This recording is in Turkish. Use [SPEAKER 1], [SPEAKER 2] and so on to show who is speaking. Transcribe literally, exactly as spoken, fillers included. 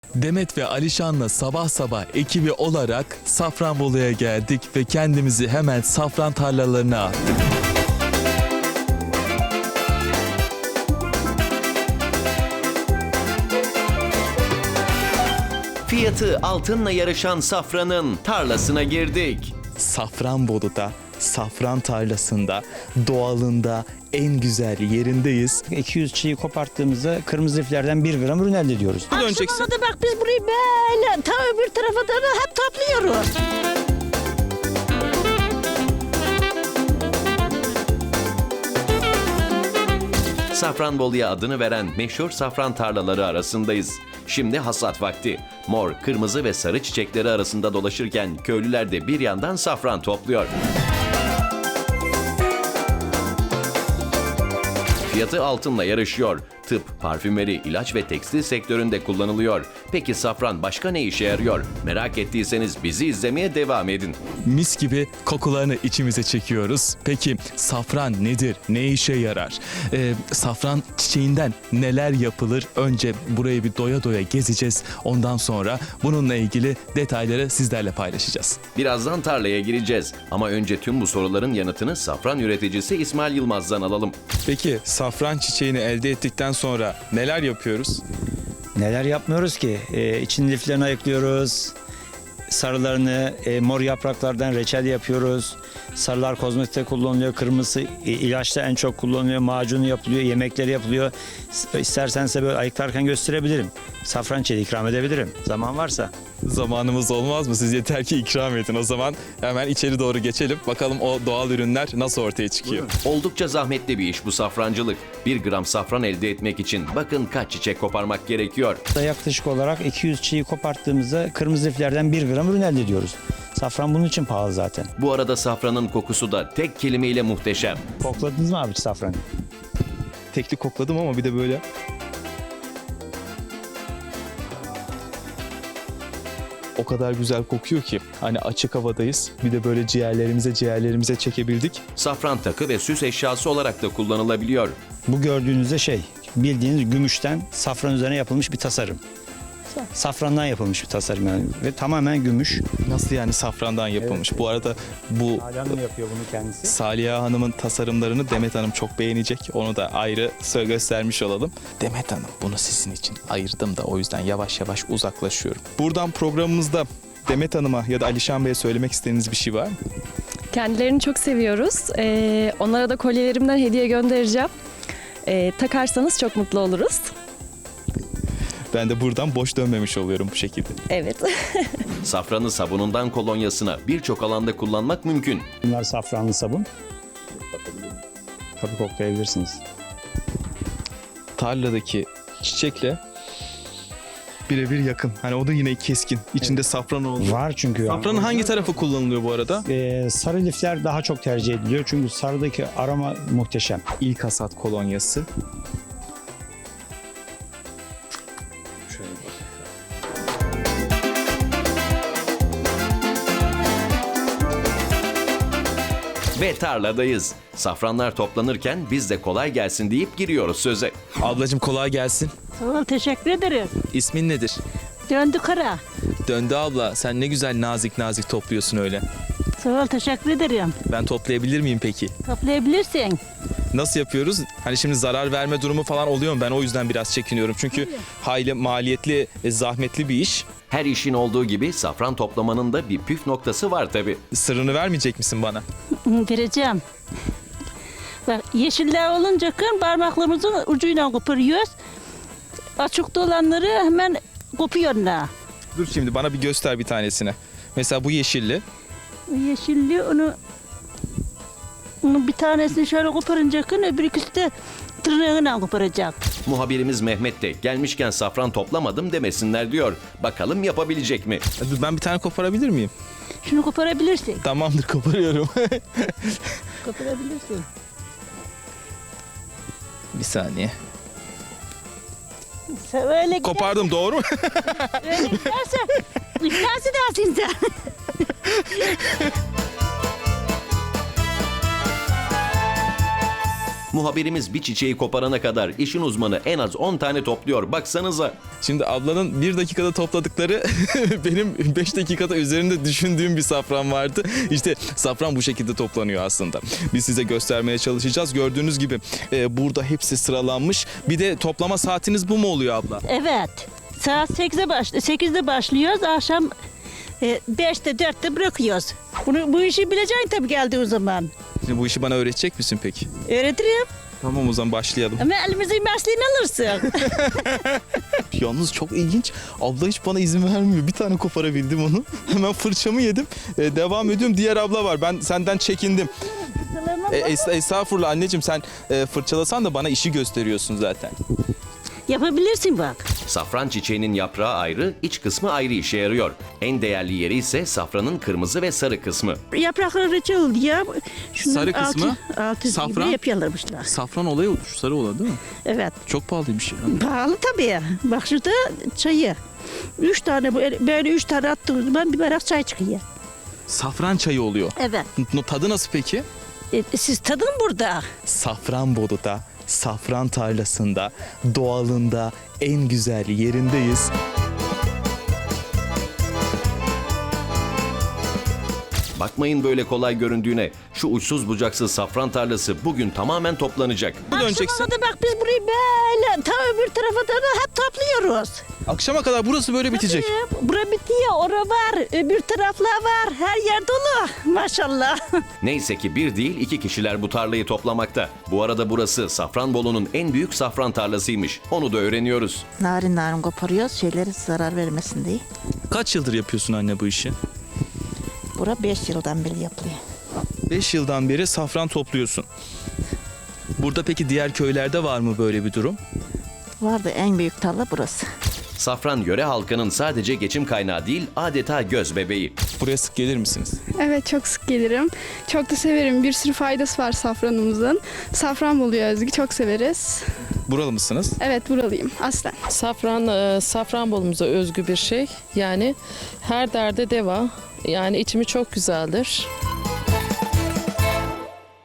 [SPEAKER 1] Demet ve Alişan'la sabah sabah ekibi olarak Safranbolu'ya geldik ve kendimizi hemen safran tarlalarına attık.
[SPEAKER 2] Fiyatı altınla yarışan safranın tarlasına girdik.
[SPEAKER 1] Safranbolu'da, safran tarlasında, doğalında, en güzel yerindeyiz.
[SPEAKER 3] iki yüz çiğ koparttığımızda kırmızı liflerden bir gram ürün elde ediyoruz.
[SPEAKER 1] Döneceksin.
[SPEAKER 4] Akşama da bak biz burayı böyle ta öbür tarafa da hep topluyoruz.
[SPEAKER 2] Safranbolu'ya adını veren meşhur safran tarlaları arasındayız. Şimdi hasat vakti. Mor, kırmızı ve sarı çiçekleri arasında dolaşırken köylüler de bir yandan safran topluyor. Fiyatı altınla yarışıyor. Tıp, parfümeri, ilaç ve tekstil sektöründe kullanılıyor. Peki safran başka ne işe yarıyor? Merak ettiyseniz bizi izlemeye devam edin.
[SPEAKER 1] Mis gibi kokularını içimize çekiyoruz. Peki safran nedir? Ne işe yarar? Ee, safran çiçeğinden neler yapılır? Önce burayı bir doya doya gezeceğiz. Ondan sonra bununla ilgili detayları sizlerle paylaşacağız.
[SPEAKER 2] Birazdan tarlaya gireceğiz. Ama önce tüm bu soruların yanıtını safran üreticisi İsmail Yılmaz'dan alalım.
[SPEAKER 1] Peki safran çiçeğini elde ettikten sonra neler yapıyoruz?
[SPEAKER 3] Neler yapmıyoruz ki? Ee, için liflerini ayıklıyoruz. Sarılarını e, mor yapraklardan reçel yapıyoruz. Sarılar kozmetikte kullanılıyor. Kırmızı e, ilaçta en çok kullanılıyor. Macunu yapılıyor. Yemekleri yapılıyor. S- İstersen size böyle ayıklarken gösterebilirim. Safran çiçeği ikram edebilirim. Zaman varsa.
[SPEAKER 1] Zamanımız olmaz mı? Siz yeter ki ikram edin. O zaman hemen içeri doğru geçelim. Bakalım o doğal ürünler nasıl ortaya çıkıyor.
[SPEAKER 2] Oldukça zahmetli bir iş bu safrancılık. Bir gram safran elde etmek için bakın kaç çiçek koparmak gerekiyor.
[SPEAKER 3] Yaklaşık olarak iki yüz çiğ koparttığımızda kırmızı liflerden bir gram ürün elde ediyoruz. Safran bunun için pahalı zaten.
[SPEAKER 2] Bu arada safranın kokusu da tek kelimeyle muhteşem.
[SPEAKER 3] Kokladınız mı abi safranı?
[SPEAKER 1] Tekli kokladım ama bir de böyle. O kadar güzel kokuyor ki hani açık havadayız. Bir de böyle ciğerlerimize ciğerlerimize çekebildik.
[SPEAKER 2] Safran takı ve süs eşyası olarak da kullanılabiliyor.
[SPEAKER 3] Bu gördüğünüzde şey, bildiğiniz gümüşten safran üzerine yapılmış bir tasarım. Safrandan yapılmış bir tasarım yani ve tamamen gümüş.
[SPEAKER 1] Nasıl yani safrandan yapılmış?
[SPEAKER 3] Evet.
[SPEAKER 1] Bu arada bu
[SPEAKER 3] Hanım yapıyor bunu kendisi.
[SPEAKER 1] Saliha Hanım'ın tasarımlarını Demet Hanım çok beğenecek. Onu da ayrı söz göstermiş olalım. Demet Hanım bunu sizin için ayırdım da o yüzden yavaş yavaş uzaklaşıyorum. Buradan programımızda Demet Hanım'a ya da Alişan Bey'e söylemek istediğiniz bir şey var mı?
[SPEAKER 5] Kendilerini çok seviyoruz. Ee, onlara da kolyelerimden hediye göndereceğim. Ee, takarsanız çok mutlu oluruz.
[SPEAKER 1] Ben de buradan boş dönmemiş oluyorum bu şekilde.
[SPEAKER 5] Evet.
[SPEAKER 2] Safranı sabunundan kolonyasına birçok alanda kullanmak mümkün.
[SPEAKER 3] Bunlar safranlı sabun. Tabii koklayabilirsiniz.
[SPEAKER 1] Tarladaki çiçekle birebir yakın. Hani o da yine keskin. İçinde safran oldu.
[SPEAKER 3] Var çünkü.
[SPEAKER 1] Safranın hangi tarafı kullanılıyor bu arada?
[SPEAKER 3] Ee, sarı lifler daha çok tercih ediliyor çünkü sarıdaki aroma muhteşem.
[SPEAKER 1] İlk hasat kolonyası.
[SPEAKER 2] Ve tarladayız. Safranlar toplanırken biz de kolay gelsin deyip giriyoruz söze.
[SPEAKER 1] Ablacığım kolay gelsin.
[SPEAKER 4] Sağ ol, teşekkür ederim.
[SPEAKER 1] İsmin nedir?
[SPEAKER 4] Döndü kara.
[SPEAKER 1] Döndü abla. Sen ne güzel nazik nazik topluyorsun öyle.
[SPEAKER 4] Sağ ol, teşekkür ederim.
[SPEAKER 1] Ben toplayabilir miyim peki?
[SPEAKER 4] Toplayabilirsin.
[SPEAKER 1] Nasıl yapıyoruz? Hani şimdi zarar verme durumu falan oluyor mu? Ben o yüzden biraz çekiniyorum. Çünkü hayli maliyetli, e, zahmetli bir iş.
[SPEAKER 2] Her işin olduğu gibi safran toplamanın da bir püf noktası var tabii.
[SPEAKER 1] Sırrını vermeyecek misin bana?
[SPEAKER 4] Vereceğim. Bak yeşiller olunca kın parmaklarımızın ucuyla koparıyoruz. Açıkta olanları hemen kopuyorlar.
[SPEAKER 1] Dur şimdi bana bir göster bir tanesini. Mesela bu yeşilli.
[SPEAKER 4] Yeşilli onu, onu bir tanesini şöyle koparınca kın öbür ikisi de tırnağıyla koparacak.
[SPEAKER 2] Muhabirimiz Mehmet de gelmişken safran toplamadım demesinler diyor. Bakalım yapabilecek mi?
[SPEAKER 1] Dur ben bir tane koparabilir miyim?
[SPEAKER 4] Şunu koparabilirsin.
[SPEAKER 1] Tamamdır koparıyorum.
[SPEAKER 4] Koparabilirsin.
[SPEAKER 1] Bir saniye.
[SPEAKER 4] Sen öyle gider,
[SPEAKER 1] Kopardım doğru mu?
[SPEAKER 4] öyle giderse iflas edersin sen.
[SPEAKER 2] Muhabirimiz bir çiçeği koparana kadar işin uzmanı en az on tane topluyor. Baksanıza.
[SPEAKER 1] Şimdi ablanın bir dakikada topladıkları benim beş dakikada üzerinde düşündüğüm bir safran vardı. İşte safran bu şekilde toplanıyor aslında. Biz size göstermeye çalışacağız. Gördüğünüz gibi e, burada hepsi sıralanmış. Bir de toplama saatiniz bu mu oluyor abla?
[SPEAKER 4] Evet. Saat sekize baş, sekizde başlıyoruz. Akşam e, beşte dörtte bırakıyoruz. Bunu, bu işi bileceksin tabii geldiği o zaman.
[SPEAKER 1] Şimdi bu işi bana öğretecek misin peki?
[SPEAKER 4] Öğretirim.
[SPEAKER 1] Tamam, o zaman başlayalım.
[SPEAKER 4] Ama elimizin mesleğini alırsın.
[SPEAKER 1] Yalnız çok ilginç. Abla hiç bana izin vermiyor. Bir tane koparabildim onu. Hemen fırçamı yedim. E, devam ediyorum. Diğer abla var. Ben senden çekindim. E, es- estağfurullah anneciğim, sen e, fırçalasan da bana işi gösteriyorsun zaten.
[SPEAKER 4] Yapabilirsin bak.
[SPEAKER 2] Safran çiçeğinin yaprağı ayrı, iç kısmı ayrı işe yarıyor. En değerli yeri ise safranın kırmızı ve sarı kısmı.
[SPEAKER 4] Yaprakları reçel diye. Şunun
[SPEAKER 1] Sarı kısmı,
[SPEAKER 4] altı, altı
[SPEAKER 1] safran.
[SPEAKER 4] gibi yapıyorlarmışlar.
[SPEAKER 1] Safran olayı şu sarı olan değil mi?
[SPEAKER 4] Evet.
[SPEAKER 1] Çok pahalıymış ya.
[SPEAKER 4] Pahalı tabii. Bak şurada çayı. Üç tane böyle, böyle üç tane attığımız zaman bir bardak çay çıkıyor.
[SPEAKER 1] Safran çayı oluyor.
[SPEAKER 4] Evet.
[SPEAKER 1] N- Tadı nasıl peki?
[SPEAKER 4] E, siz tadın burada.
[SPEAKER 1] Safranbolu'da, safran tarlasında, doğalında, en güzel yerindeyiz.
[SPEAKER 2] Bakmayın böyle kolay göründüğüne. Şu uçsuz bucaksız safran tarlası bugün tamamen toplanacak.
[SPEAKER 1] Bu döneceksin.
[SPEAKER 4] Akşama da bak biz burayı böyle ta öbür tarafa da hep topluyoruz.
[SPEAKER 1] Akşama kadar burası böyle bitecek.
[SPEAKER 4] Tabii, bura bitiyor, ora var, öbür taraflar var. Her yer dolu maşallah.
[SPEAKER 2] Neyse ki bir değil iki kişiler bu tarlayı toplamakta. Bu arada burası Safranbolu'nun en büyük safran tarlasıymış. Onu da öğreniyoruz.
[SPEAKER 6] Narin narin koparıyoruz şeyleri zarar vermesin diye.
[SPEAKER 1] Kaç yıldır yapıyorsun anne bu işi?
[SPEAKER 6] Bura beş yıldan beri yapılıyor.
[SPEAKER 1] beş yıldan beri safran topluyorsun. Burada peki diğer köylerde var mı böyle bir durum?
[SPEAKER 6] Vardı en büyük tarla burası.
[SPEAKER 2] Safran yöre halkının sadece geçim kaynağı değil, adeta göz bebeği.
[SPEAKER 1] Buraya sık gelir misiniz?
[SPEAKER 7] Evet, çok sık gelirim. Çok da severim. Bir sürü faydası var safranımızın. Safranbolu'ya özgü çok severiz.
[SPEAKER 1] Buralı mısınız?
[SPEAKER 7] Evet, buralıyım aslen.
[SPEAKER 8] Safran, e, Safranbolumuza özgü bir şey. Yani her derde deva. Yani içimi çok güzeldir.